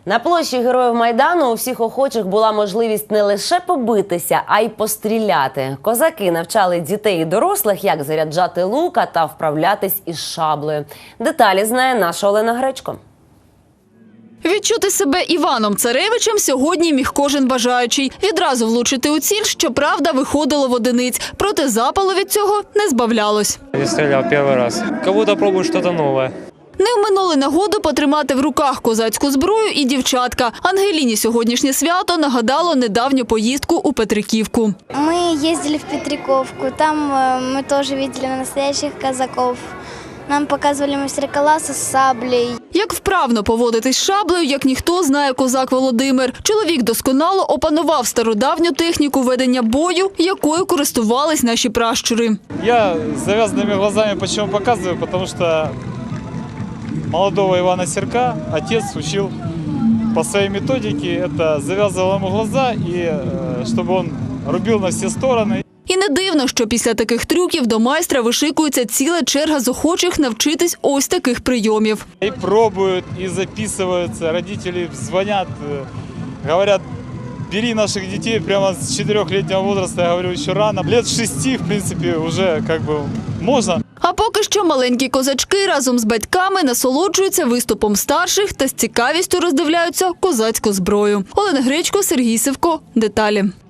На площі Героїв Майдану у всіх охочих була можливість не лише побитися, а й постріляти. Козаки навчали дітей і дорослих, як заряджати лука та вправлятись із шаблею. Деталі знає наша Олена Гречко. Відчути себе Іваном Царевичем сьогодні міг кожен бажаючий. Відразу влучити у ціль, щоправда, виходило в одиниць. Проте запалу від цього не збавлялось. Я стріляв перший раз. Як будто пробую щось нове. Не вминули нагоду потримати в руках козацьку зброю і дівчатка. Ангеліні сьогоднішнє свято нагадало недавню поїздку у Петриківку. Ми їздили в Петриківку, там ми теж бачили настоящих козаків. Нам показували майстер-класи з саблею. Як вправно поводитись з шаблею, як ніхто, знає козак Володимир. Чоловік досконало опанував стародавню техніку ведення бою, якою користувались наші пращури. Я з зав'язаними глазами чому показую, тому що молодого Ивана Серка отец учил по своей методике. Это завязывал ему глаза, и чтобы он рубил на все стороны. І не дивно, що після таких трюків до майстра вишикується ціла черга з охочих навчитись ось таких прийомів. И пробуют, и записываются. Родители звонят, говорят, бери наших детей прямо с 4-летнего возраста. Я говорю, еще рано. Лет 6, в принципе, уже как бы можно. А поки що маленькі козачки разом з батьками насолоджуються виступом старших та з цікавістю роздивляються козацьку зброю. Олена Гречко, Сергій Сивко. Деталі.